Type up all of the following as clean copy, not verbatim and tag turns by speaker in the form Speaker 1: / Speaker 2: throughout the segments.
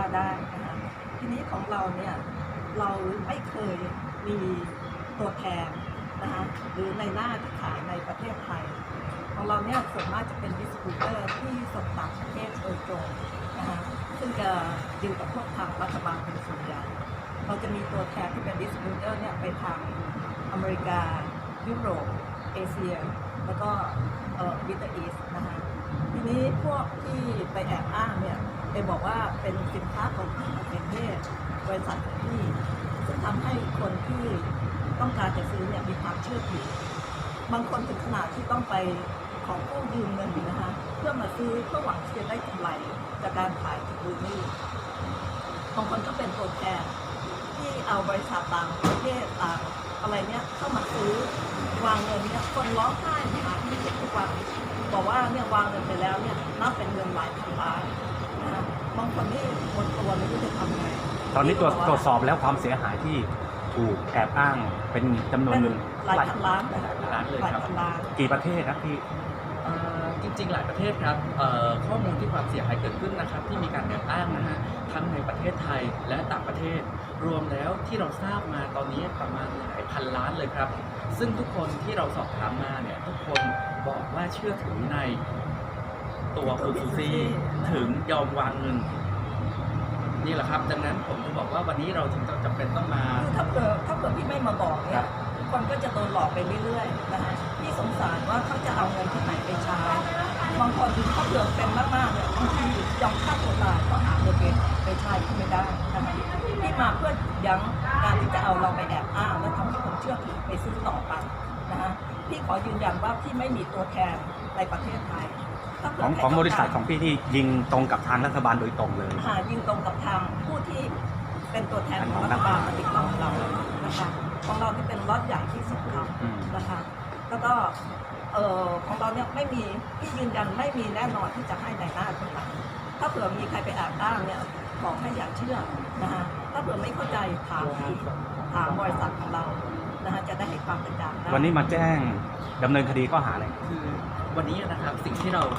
Speaker 1: ได้นะคะทีนี้ของเราเนี่ยเราไม่เคยมีตัวแทนนะคะหรือในหน้าที่ขายในประเทศไทยของเราเนี่ยส่วนมากจะเป็นดิสติบิวเตอร์ที่ส่งต่างประเทศโดยตรงนะคะซึ่งจะดีลกับพวกทางรัฐบาลเป็นส่วนใหญ่เราจะมีตัวแทนที่เป็นดิสติบิวเตอร์เนี่ยไปทางอเมริกายุโรปเอเชียแล้วก็มิดเดิลอีสต์นะคะทีนี้พวกที่ไปแอบอ้างเนี่ยไปบอกว่าเป็นสินค้าของต่างประเทศบริษัทของพี่ซึ่งทำให้คนที่ต้องการจะซื้อเนี่ยมีความเชื่อถือบางคนถึงขนาดที่ต้องไปขอกู้ยืมเงินนะคะเพื่อมาซื้อเพื่อหวังที่จะได้กำไรจากการขายจากบูนี่บางคนก็เป็นตัวแทนที่เอาบริษัทต่างประเทศต่างอะไรเนี่ยเข้ามาซื้อวางเงินเนี่ยคนร้องไห้หาที่เก็บทุกวันบอกว่าเนี่ยวางเงินไปแล้วเนี่ยนับเป็นเงินหลายพันล้านนะบางคนนี่หมดตัวไม่รู้จะทำไง
Speaker 2: ตอนนี้ตรวจสอบแล้วความเสียหายที่ถูกแอบอ้างเป็นจำนวนเงิน
Speaker 1: หลายพันล้านหลายพันล้านเลยครับ
Speaker 2: กี่ประเทศครับพี่
Speaker 3: จริงๆหลายประเทศครับข้อมูลที่ความเสียหายเกิดขึ้นนะครับที่มีการแอบอ้างนะฮะทั้งในประเทศไทยและต่างประเทศรวมแล้วที่เราทราบมาตอนนี้ประมาณหลายพันล้านเลยครับซึ่งทุกคนที่เราสอบถามมาเนี่ยทุกคนบอกว่าเชื่อถือในตัวคุณซูซี่ถึงยอมวางเงินนี่แหละครับดังนั้นผมจะบอกว่าวันนี้เราถึงจำเป็นต้องมา
Speaker 1: ถ้าเกิดพี่ไม่มาบอกเนี่ยคนก็จะโดนหลอกไปเรื่อยๆนะคะพี่สงสารว่าเขาจะเอาเงินที่ไหนไปใช้บางคนเขาเดือดเป็นมากๆเนี่ยบางทียอมฆ่าตัวตายก็หาเงินไปใช้ไม่ได้นะคะพี่มาเพื่อยั้งการที่จะเอาเราไปแอบอ้างและทำให้คนเชื่อถือไปซื้อต่อไปนะคะพี่ขอยืนยันว่าพี่ไม่มีตัวแทนในประเทศไทย
Speaker 2: ของบริษัทของพี่ที่ยิงตรงกับทางรัฐบาลโดยตรงเลย
Speaker 1: ยิงตรงกับทางผู้ที่เป็นตัวแทนของรัฐบาลมาติดต่อเรานะคะของเราที่เป็นล็อตใหญ่ที่สุดครับนะคะแล้วก็ของเราเนี่ยไม่มีที่ยืนยันไม่มีแน่นอนที่จะให้ในหน้าคนต่างถ้าเผื่อมีใครไปแอบอ้างเนี่ยบอกให้อย่าเชื่อนะคะถ้าเผื่อไม่เข้าใจถามบริษัทของเรานะคะจะได้ให้ความเป็นกลาง
Speaker 2: วันนี้มาแจ้งดำเนินคดีข้อหาอะไร
Speaker 3: คือวันนี้นะครับสิ่งที่เรา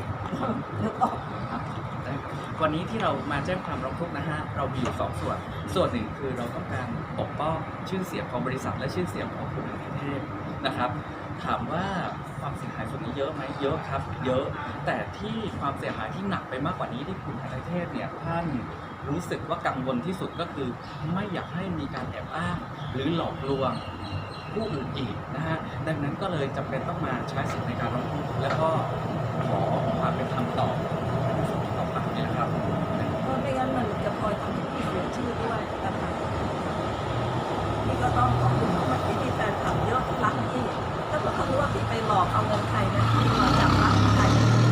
Speaker 3: วันนี้ที่เรามาแจ้งความร้องทุกข์นะฮะเรามีอยู่2ส่วนหนึ่งคือเราต้องการปกป้องชื่อเสียงของบริษัทและชื่อเสียงของคุณประเทศนะครับถามว่าความเสียหายส่วนนี้เยอะไหมเยอะครับเยอะแต่ที่ความเสียหายที่หนักไปมากกว่านี้ที่คุณประเทศเนี่ยท่านรู้สึกว่ากังวลที่สุดก็คือไม่อยากให้มีการแอบอ้างหรือหลอกลวงผู้อื่นอีกนะฮะดังนั้นก็เลยจำเป็นต้องมาใช้สิทธิในการร้องทุกข์และก็ขอความเป็นธรรมต่อไปนี่นะครับ
Speaker 1: เพราะไม่งั้นมันจะคอยทำให้พี่เสียชื่อด้วยนะคะพี่ก็ต้องขอบคุณมากที่แฟนคลับเยอะรักพี่ถ้าเกิดเขารู้ว่าพี่ไปหลอกเอาเงินใครนะพี่มาจับรักใคร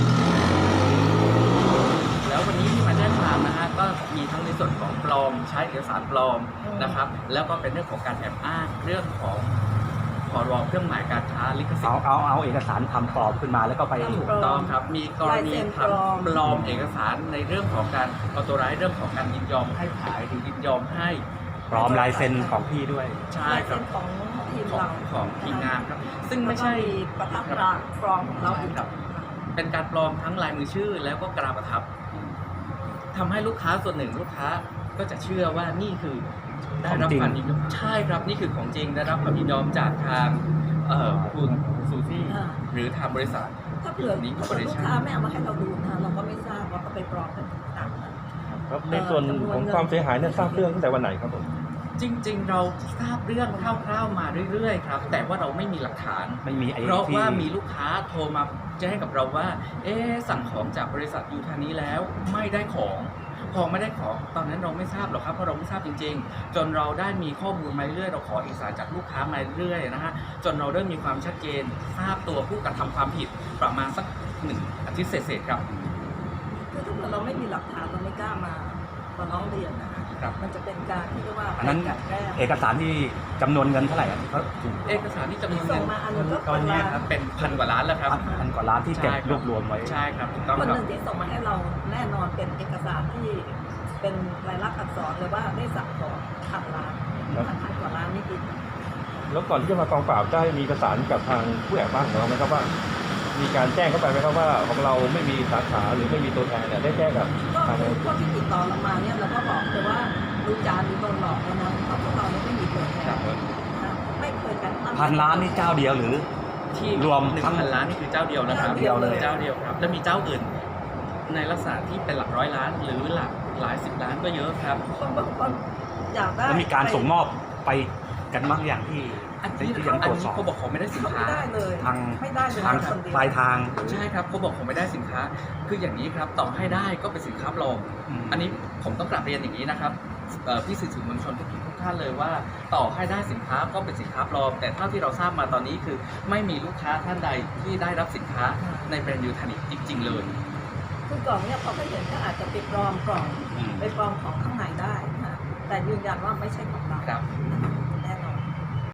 Speaker 3: แล้ววันนี้ที่มาแจ้งความนะฮะก็มีทั้งในส่วนของปลอมใช้เอกสารปลอมนะครับแล้วก็เป็นเรื่องของการแอบอ้างเรื่องของพรบเครื่องหมายการค้าลิขสิทธิ์
Speaker 2: เอาเอกสารทำปลอมขึ้นมาแล้วก็ไป
Speaker 3: ถูกต้องครับมีกรณีทำปลอมเอกสารในเรื่องของการเอาตัวร้ายเรื่องของการยินยอมให้ขายหรือยินยอมให้
Speaker 2: ปลอมลายเซ็นของพี่ด้วย
Speaker 3: ใช่ครับ
Speaker 1: ของทีมเรา
Speaker 3: ของทีมงานครับซึ่งไม่ใช่
Speaker 1: ประทับตราปลอมของเราอีกครับ
Speaker 3: เป็นการปลอมทั้งลายมือชื่อแล้วก็กราประทับทำให้ลูกค้าส่วนหนึ่งลูกค้าก็จะเชื่อว่านี่คือได้รับความยินยอมใช่ครับนี่คือของจริงได้รับความยินยอมจากทางคุณซูซี่หรือทางบริษัท
Speaker 1: ถ้าเผื่อลูกค้าไม่เอามาให้เราดูนะเราก็ไม่ทราบว่าเขาไปปลอมกันต่างๆ
Speaker 4: ครับในส่วนของความเสียหายเนี่ยทราบเรื่องตั้งแต่วันไหนครับผม
Speaker 3: จริงๆเราทราบเรื่องคร่าวๆมาเรื่อยๆครับแต่ว่าเราไม่มีหลักฐาน
Speaker 2: ไม่มี
Speaker 3: เพราะว่ามีลูกค้าโทรมาแจ้งกับเราว่าสั่งของจากบริษัทยูทานี้แล้วไม่ได้ของพอไม่ได้ของตอนนั้นเราไม่ทราบหรอกครับเพราะเราไม่ทราบจริงๆจนเราได้มีข้อมูลมาเรื่อยเราขอเอกสารจากลูกค้ามาเรื่อยนะฮะจนเราเริ่มมีความชัดเจนทราบตัวผู้กระทำความผิดประมาณสัก1 อาทิตย์เศษๆครับ
Speaker 1: คือถ้าเราไม่มีหลักฐานเราไม่กล้ามาร้องเรียนนะคะมันจะเป็นการที่เรียกว่า
Speaker 2: อันนั้นเอกสารที่จำนวนเงินเท่าไหร่เขา
Speaker 3: เอกสารที่จำนวนเงิน
Speaker 1: ตอนนี้
Speaker 3: ครับเป็น1,000 กว่าล้านแล้วครับ
Speaker 2: 1,000 กว่าล้านที่เก็บรวบรวมไว้
Speaker 3: ใช่ครับถูกต้อง
Speaker 1: คนหนึ่งที่ส่งมาให้เราแน่นอนเป็นเอกสารที่เป็นลายลักษณ์อักษรเลยว่าได้สั่งของ1,000 ล้าน1,000 กว่าล้านนี่ดี
Speaker 4: แล้วก่อนที่จะมากองปราบได้มีประสานกับทางผู้แอบอ้างของเราไหมครับว่ามีการแจ้งเข้าไปไหมครับว่าของเราไม่มีสาขาหรือไม่มีตัวแทนเนี่ยได้แจ้งกับ
Speaker 1: ก็คือพวกที่ติดต่อเรามาเนี่ยเราก็บอกดูจานหรือโดนหลอกแล้วนะเพราะพวกเราเนี่ยไม่มีตัวแท
Speaker 3: ครั
Speaker 1: น
Speaker 3: บ
Speaker 1: นะไม่เคยกันตั้ง
Speaker 2: พันล้านนี่เจ้าเดียวหรือ
Speaker 3: ที่
Speaker 2: รวม
Speaker 3: หนึ่ง
Speaker 2: ทั้ง
Speaker 3: พันล้านนี่คือเจ้าเดียวนะครับ
Speaker 1: เจ้าเดียวเลย
Speaker 3: เจ้าเดียวครับ แล้วมีเจ้าอื่น ในลักษณะที่เป็นหลักร้อยล้าน หรือหลักหลายสิบล้านก็เยอะครับ
Speaker 1: คนบางคนอยากได้
Speaker 2: แล้วมีการส่งมอบไปกันบ้างอย่างที่
Speaker 3: อันนี้
Speaker 2: ที่ยัง
Speaker 3: อั
Speaker 2: ต
Speaker 3: น
Speaker 2: รวจ
Speaker 3: นี้
Speaker 2: สอบ
Speaker 3: เขาบอกเขาไม่ได้สิน
Speaker 1: เขา
Speaker 3: ค้า
Speaker 1: ไม่ได้เลย
Speaker 2: ทาง
Speaker 1: ไม่ได้เลย
Speaker 2: ทาง
Speaker 1: คนเดียว
Speaker 2: ปลายทาง
Speaker 3: ใช่ครับเขาบอกเขาไม่ได้สินค้า คืออย่างนี้ครับต่อให้ได้ก็เป็นสินค้าปลอม อันนี้ผมต้องกลับเรียนอย่างนี้นะครับพี่สื่อมวลชนทุกท่านเลยว่าต่อให้ได้สินค้าก็เป็นสินค้าปลอม แต่เท่าที่เราทราบมาตอนนี้คือไม่มีลูกค้าท่านใดที่ได้รับสินค้าในแบรนด์ยูทานิกจริง ๆ เลย
Speaker 1: คือกล่องเนี่ยพอเขาเห็นก็อาจจะไปปลอมกล่อง
Speaker 2: อืม
Speaker 1: ไปปลอมของข้างในได้นะแต่ยืนยันว่าไม่ใช่ของเรา
Speaker 3: ครับ
Speaker 1: นะคะ